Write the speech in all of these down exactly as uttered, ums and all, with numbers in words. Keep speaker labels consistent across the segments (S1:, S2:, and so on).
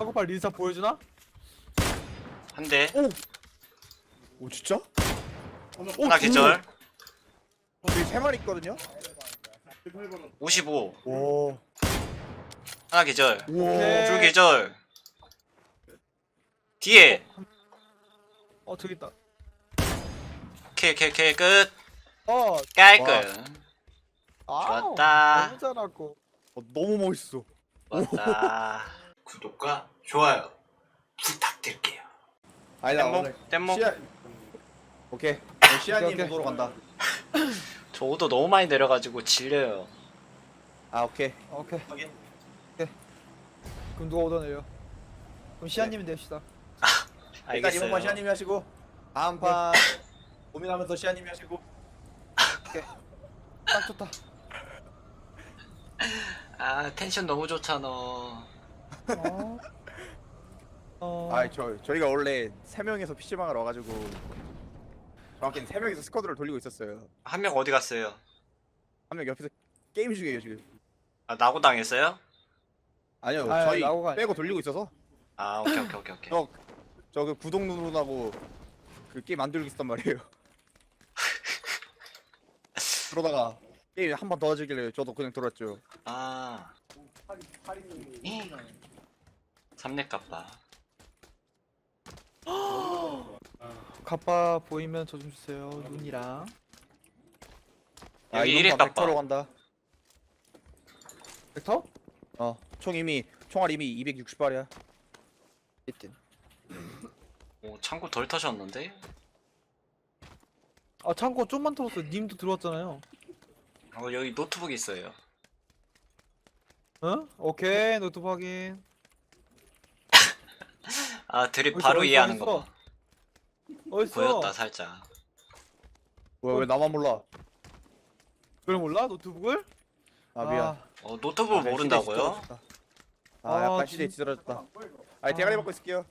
S1: 카고팔 린사 보여주나?
S2: 한 대.
S3: 오! 오 진짜?
S2: 하나 계절.
S3: 여기 세 마리 있거든요?
S2: 오십오.
S3: 오.
S2: 하나 계절.
S3: 우와.
S2: 둘 계절. 뒤에.
S1: 어 저기 있다.
S2: 오케이 오케이 오케이 끝.
S1: 어.
S2: 깔끔.
S1: 아우,
S2: 좋았다.
S1: 너무 잘하고.
S3: 어, 너무 멋있어.
S2: 좋았다. 구독과 좋아요 부탁드릴게요.
S3: 아니다
S2: 뗏목?
S3: 오늘
S2: 뗏목?
S3: 시아... 오케이 오늘 시아님
S1: 오케이, 오케이.
S3: 보도로 간다.
S2: 저 오도 너무 많이 내려가지고 질려요.
S3: 아 오케이.
S1: 오케이.
S3: 확인.
S1: 그럼 누가 얻어내요? 그럼 시아님이 냅시다.
S3: 일단 이번만
S2: 알겠어요.
S3: 시아님이 하시고 다음 판 고민하면서 시아님이 하시고.
S1: 딱 좋다.
S2: 아 텐션 너무 좋잖아.
S1: 어. 어.
S3: 아저 저희가 원래 세 명이서 피시방을 와가지고 정확히는 세 명이서 스쿼드를 돌리고 있었어요.
S2: 한 명 어디 갔어요?
S3: 한 명 옆에서 게임 중이에요 지금.
S2: 아 나고 당했어요?
S3: 아니요
S1: 아,
S3: 저희
S1: 나오가 아니-
S3: 빼고 돌리고 있어서
S2: 아 오케이 오케이 오케이 오케이.
S3: 저 그 구독 누르라고 그 게임 안 돌리고 있었단 말이에요. 그러다가 게임 한 번 더 하길래 저도 그냥 돌았죠.
S2: 아 삼렙 kappa.
S1: 가빠 보이면 저 좀 주세요. 눈이랑.
S2: 여기
S3: 이번
S2: 일일
S3: 판
S2: 깎아.
S3: 벡터로 간다.
S1: 벡터?
S3: 어, 총 이미 총알 이미 이백육십 발이야.
S1: 있든.
S2: 오 창고 덜 터졌는데?
S1: 아 창고 좀만 털었어. 님도 들어왔잖아요.
S2: 어 여기 노트북 있어요.
S1: 응? 오케이 노트 확인.
S2: 아 드립
S1: 어딨어,
S2: 바로
S1: 어딨어,
S2: 이해하는
S1: 어딨어?
S2: 거 봐.
S1: 어딨어?
S2: 보였다 살짝.
S3: 왜, 왜 나만 몰라?
S1: 그걸 몰라? 노트북을?
S3: 아 미안.
S1: 아,
S2: 어 노트북
S3: 아,
S2: 모른다고요?
S3: 시대에 뒤떨어졌다. 아,
S1: 아,
S3: 약간 시대에
S1: 진-
S3: 뒤떨어졌다. 아니 대가리
S1: 아.
S3: 받고 있을게요.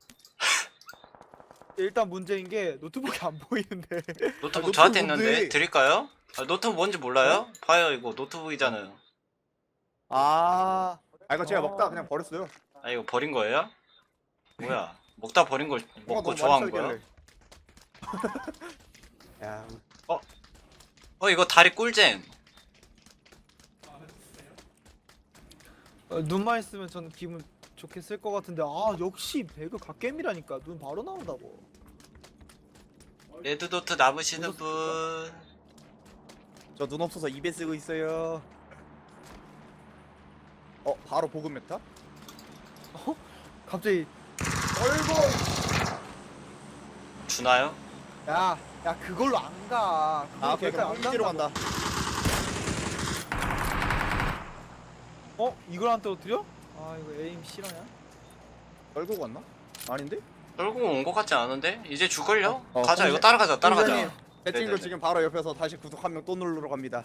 S1: 일단 문제인 게 노트북이 안 보이는데.
S2: 노트북
S3: 노트북
S2: 저한테
S3: 뭔데?
S2: 있는데 드릴까요? 아, 노트북 뭔지 몰라요? 봐요 이거 노트북이잖아요.
S3: 아, 아 이거 제가
S1: 아.
S3: 먹다 그냥 버렸어요.
S2: 아 이거 버린 거예요? 뭐야? 먹다 버린 걸
S3: 뭐가
S2: 먹고
S3: 너무
S2: 좋아한
S3: 많이
S2: 거야?
S3: 썰길래. 야,
S2: 어 이거 다리 꿀잼.
S1: 어, 눈만 있으면 전 기분 좋게 쓸 것 같은데 아 역시 배그 갓겜이라니까 눈 바로 나온다고.
S2: 레드도트 남으시는 분.
S3: 저 눈 없어서 입에 쓰고 있어요. 어, 바로 보급 메타?
S1: 갑자기
S2: 주나요?
S1: 야, 야 그걸로 안 가.
S3: 아, 오케이,
S1: 그걸로
S3: 그럼
S1: 안
S3: 홈지로
S1: 간다고.
S3: 간다.
S1: 어? 이걸 안 떨어뜨려? 아 이거 에임 실화냐?
S3: 떨고 갔나? 아닌데?
S2: 떨고 온 것 같지 않은데? 이제 죽을려?
S3: 어, 어,
S2: 가자
S3: 선생-
S2: 이거 따라가자 따라가자.
S3: 선생님, 배팅도
S2: 네네네.
S3: 지금 바로 옆에서 다시 구독 한 명 또 누르러 갑니다.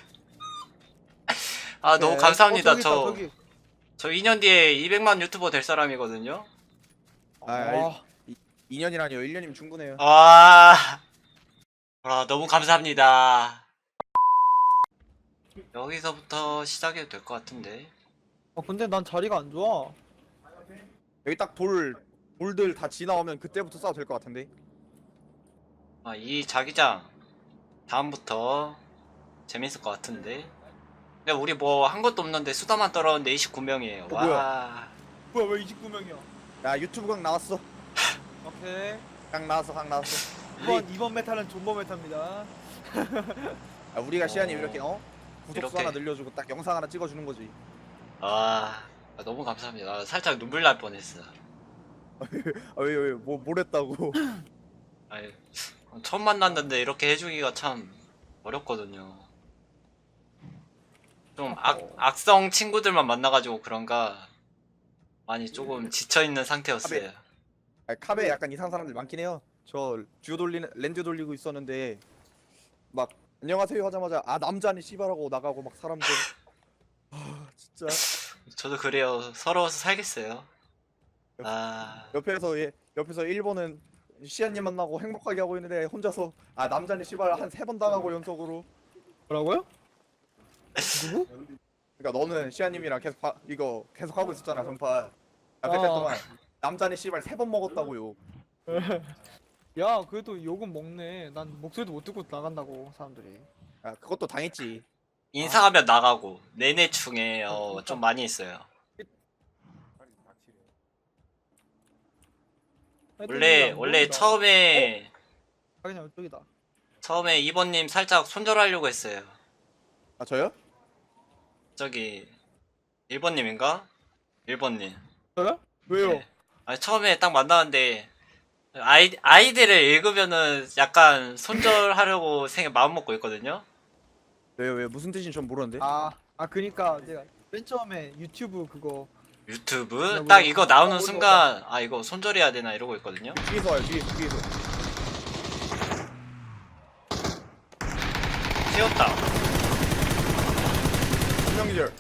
S2: 아 너무
S3: 네.
S2: 감사합니다.
S1: 어, 저기 있다,
S2: 저
S1: 저기.
S2: 저 이 년 뒤에 이백만 유튜버 될 사람이거든요.
S3: 아,
S1: 아,
S3: 이 년이라니요. 일 년이면 충분해요.
S2: 와, 아, 너무 감사합니다. 여기서부터 시작해도 될 것 같은데.
S1: 어, 근데 난 자리가 안 좋아.
S3: 여기 딱 돌, 돌들 다 지나오면 그때부터 싸도 될 것 같은데.
S2: 아, 이 자기장 다음부터 재밌을 것 같은데. 근데 우리 뭐 한 것도 없는데 수다만 떨었는데 이십구 명이에요.
S3: 어,
S2: 와.
S1: 뭐야 왜 이십구 명이야?
S3: 야, 유튜브 강 나왔어.
S1: 오케이.
S3: 강 나왔어, 강 나왔어.
S1: 이번 이번 메타는 존버 메타입니다.
S3: 아, 우리가 시안이
S2: 어.
S3: 이렇게 어? 구독수
S2: 이렇게.
S3: 하나 늘려주고 딱 영상 하나 찍어주는 거지.
S2: 아, 아, 너무 감사합니다. 아, 살짝 눈물 날 뻔했어.
S3: 아, 왜, 왜, 뭐, 뭘 했다고.
S2: 아니, 처음 만났는데 이렇게 해주기가 참 어렵거든요. 좀 악, 악성 친구들만 만나가지고 그런가 많이 조금 지쳐있는 상태였어요.
S3: 아, 카베 약간 이상한 사람들 많긴 해요. 저 듀오 돌리는, 렌즈 돌리고 있었는데, 막, 안녕하세요 하자마자, 아, 남자니 씨발하고 나가고 막 사람들. 아, 진짜.
S2: 저도 그래요. 서러워서 살겠어요. 아,
S3: 옆에서, 예, 옆에서 일본은 시안님 만나고 행복하게 하고 있는데, 혼자서, 아, 남자니 씨발 한 세 번 당하고 연속으로.
S1: 뭐라고요? 누구?
S3: 그러니까 너는 시아님이랑 계속 바, 이거 계속 하고 있었잖아 전판. 아 그때
S1: 아.
S3: 동안 남자네 씨발 세 번 먹었다고요.
S1: 야 그래도 욕은 먹네. 난 목소리도 못 듣고 나간다고 사람들이.
S3: 아 그것도 당했지.
S2: 인사하면 나가고 내내 중에 어, 좀 많이 있어요. 원래 원래 처음에
S1: 아 그냥 이쪽이다.
S2: 처음에 이번님 살짝 손절하려고 했어요.
S3: 아 저요?
S2: 저기 일 번님인가? 일 번님.
S1: 저요? 왜요?
S2: 네. 아니 처음에 딱 만나는데 아이 아이디를 읽으면은 약간 손절하려고 생각 마음 먹고 있거든요.
S3: 왜요 왜 무슨 뜻인지 전 모르는데.
S1: 아, 아 그니까 내가 맨 처음에 유튜브 그거
S2: 유튜브
S1: 뭐-
S2: 딱 이거 나오는
S1: 어,
S2: 순간 아 이거 손절해야 되나 이러고 있거든요.
S3: 뒤에서 와요 뒤에서 뒤에서.
S2: 튀었다.
S3: 한명기절.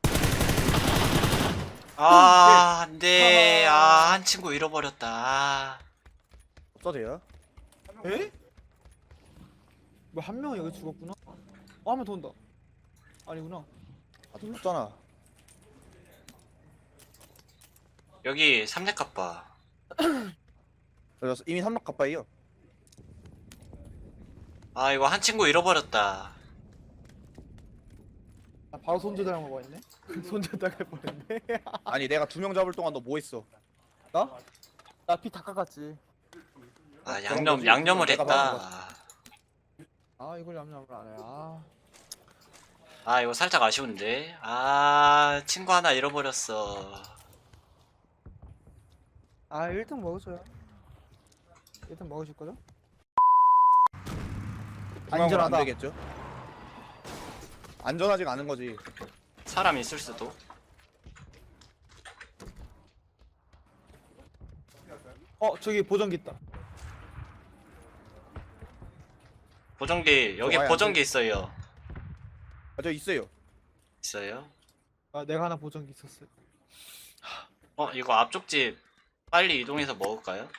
S2: 아 안돼. 아 한 친구 잃어버렸다. 아.
S3: 없어져요?
S1: 에? 뭐 한 명 여기 죽었구나. 어, 한 명 더 온다. 아니구나.
S3: 아 죽었잖아.
S2: 여기 삼렙 갑바.
S3: 저 이미 삼각 가빠이요.
S2: 아 이거 한 친구 잃어버렸다.
S1: 나 바로 손절당한 거 봤네. 손절당할 뻔했네.
S3: 아니 내가 두 명 잡을 동안 너 뭐 했어?
S1: 나? 나 피 다 깎았지.
S2: 아
S3: 그런
S2: 양념
S3: 거지.
S2: 양념을
S3: 내가
S2: 했다.
S1: 아 이걸 얌얌을 안 해. 아.
S2: 아 이거 살짝 아쉬운데. 아 친구 하나 잃어버렸어.
S1: 아 일 등 먹어줘요. 일 등 먹으실 거죠?
S3: 중앙으로
S1: 안전하다.
S3: 안 되겠죠? 안전하지가 않은 거지.
S2: 사람 있을 수도.
S1: 어 저기 보정기 있다.
S2: 보정기 여기
S3: 좋아요,
S2: 보정기 있어요.
S3: 아 저 있어요.
S2: 있어요?
S1: 아 내가 하나 보정기 있었어요.
S2: 어 이거 앞쪽 집 빨리 이동해서 먹을까요?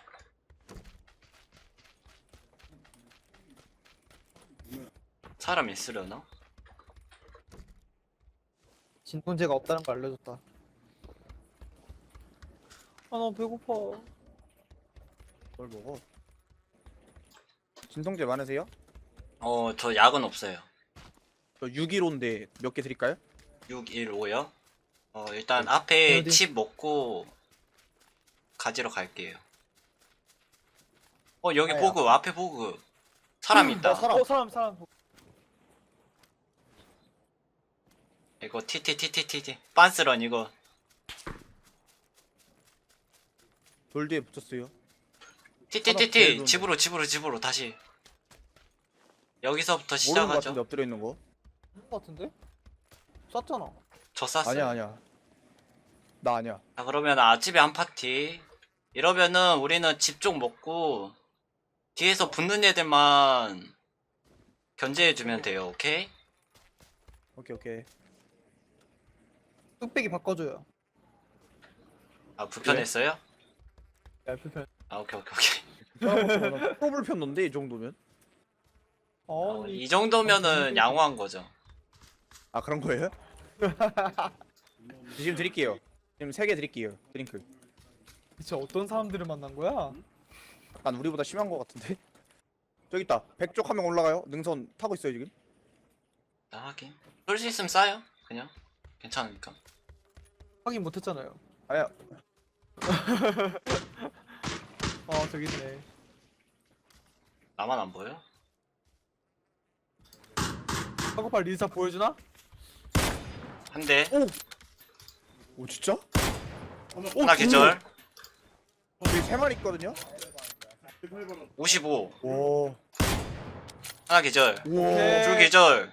S2: 사람 있으려나?
S1: 진통제가 없다는 걸 알려줬다. 아 너무 배고파.
S3: 뭘 먹어? 진통제 많으세요?
S2: 어 저 약은 없어요.
S3: 저 육십일호인데 몇 개 드릴까요?
S2: 육일오요? 어 일단 앞에
S1: 어디?
S2: 칩 먹고 가지러 갈게요. 어 여기
S3: 아야.
S2: 보그 앞에 보그 사람 있다.
S3: 어, 사람.
S1: 어 사람 사람.
S2: 이거 티티티티티 빤스런 이거
S3: 돌 뒤에 붙였어요. 제일
S2: 티티티티
S3: 좋은데.
S2: 집으로 집으로 집으로 다시 여기서부터
S3: 모르는 거 같은데
S2: 시작하죠.
S3: 엎드려 있는 거.
S1: 것 같은데? 쐈잖아.
S2: 저 쐈어요.
S3: 아니야 아니야. 나 아니야.
S2: 자 그러면 아침에 한 파티 이러면은 우리는 집 쪽 먹고 뒤에서 붙는 애들만 견제해주면 돼요. 오케이?
S3: 오케이 오케이.
S1: 뚝배기 바꿔줘요.
S2: 아 불편했어요?
S1: 야 불편.
S2: 아 오케이 오케이 오케이.
S3: 프로블 폈는데 이 정도면?
S1: 어
S2: 아,
S1: 이
S2: 이 정도면은 양호한 거죠.
S3: 아 그런 거예요? 지금 드릴게요. 지금 세 개 드릴게요. 드링크.
S1: 진짜 어떤 사람들을 만난 거야?
S3: 약간 우리보다 심한 거 같은데? 저기 있다. 백쪽 한 명 올라가요. 능선 타고 있어요 지금.
S2: 나 하긴 쏠 수 있으면 싸요. 그냥 괜찮으니까.
S1: 확인 못했잖아요.
S3: 아야.
S1: 어 저기 있네.
S2: 나만 안 보여?
S1: 카고팔 리사 보여주나?
S2: 한 대.
S3: 오 진짜?
S2: 하나 계절.
S3: 여기 세 마리 있거든요.
S2: 오십오.
S3: 오.
S2: 하나 계절.
S1: 오케이.
S2: 둘 계절.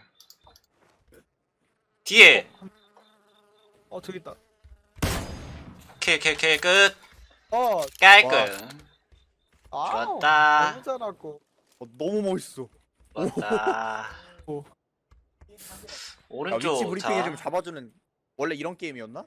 S2: 뒤에.
S1: 어 저기 있다.
S2: 오케이 오케이 오케이 끝.
S1: 어.
S2: 깔끔.
S1: 아.
S2: 좋았다.
S1: 너무 잘하고.
S3: 어, 너무 멋있어.
S2: 좋았다.
S1: 오.
S3: 아,
S2: 오른쪽.
S3: 위치 브리핑 해주면
S2: 자.
S3: 잡아주는 원래 이런 게임이었나?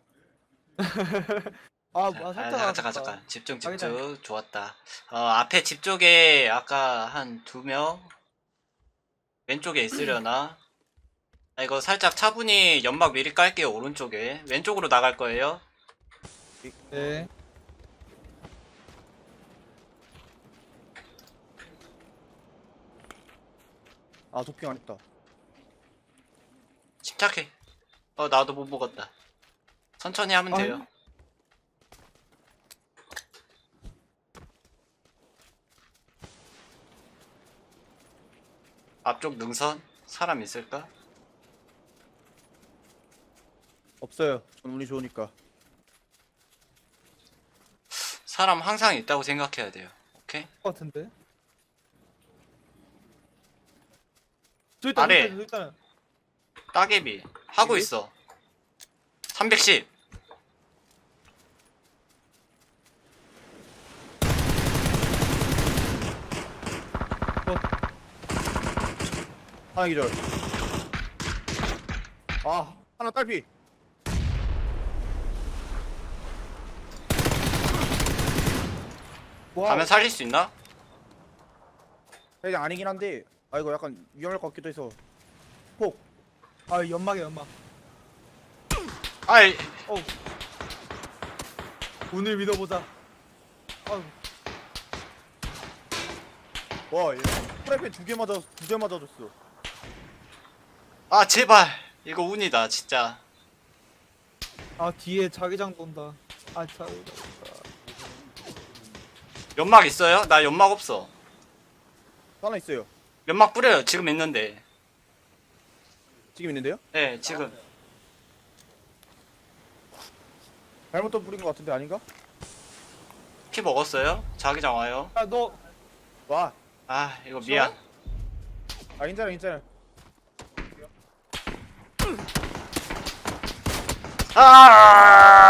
S1: 아,
S2: 자,
S1: 아
S2: 아,
S1: 살짝.
S2: 잠깐
S1: 알았다.
S2: 잠깐 잠깐 집중
S1: 자기장.
S2: 집중 좋았다. 어 앞에 집 쪽에 아까 한 두 명 왼쪽에 있으려나? 아 이거 살짝 차분히 연막 미리 깔게요. 오른쪽에 왼쪽으로 나갈 거예요.
S1: 네.
S3: 아 도핑 안 했다.
S2: 침착해. 어 나도 못 먹었다. 천천히 하면
S1: 아유.
S2: 돼요. 앞쪽 능선 사람 있을까?
S3: 없어요. 전 운이 좋으니까.
S2: 사람 항상 있다고 생각해야 돼요. 오케이?
S1: 것 같은데. 저기 있다.
S2: 아래.
S1: 저기 있다. 저기 있다.
S2: 따개비 하고
S3: 따개비?
S2: 있어. 삼백십.
S3: 하나 기절. 아 하나 딸피.
S1: 와.
S2: 가면 살릴 수 있나?
S3: 그냥 아니긴 한데 아 이거 약간 위험할 것 같기도 해서. 폭.
S1: 아 연막이야 연막.
S2: 아이
S1: 어. 운을 믿어보자. 아유.
S3: 와 얘. 프라이팬 두 개 맞아 두 개 맞아줬어.
S2: 아 제발 이거 운이다 진짜.
S1: 아 뒤에 자기장 돈다. 아 자.
S2: 연막 있어요? 나 연막 없어.
S3: 하나 있어요.
S2: 연막 뿌려요. 지금 있는데.
S3: 지금 있는데요?
S2: 네 지금.
S3: 잘못 또 뿌린 것 같은데 아닌가?
S2: 피 먹었어요? 자기장 와요.
S1: 아 너.
S3: 와.
S2: 아 이거 미안.
S3: 아 괜찮아 괜찮아.
S2: 아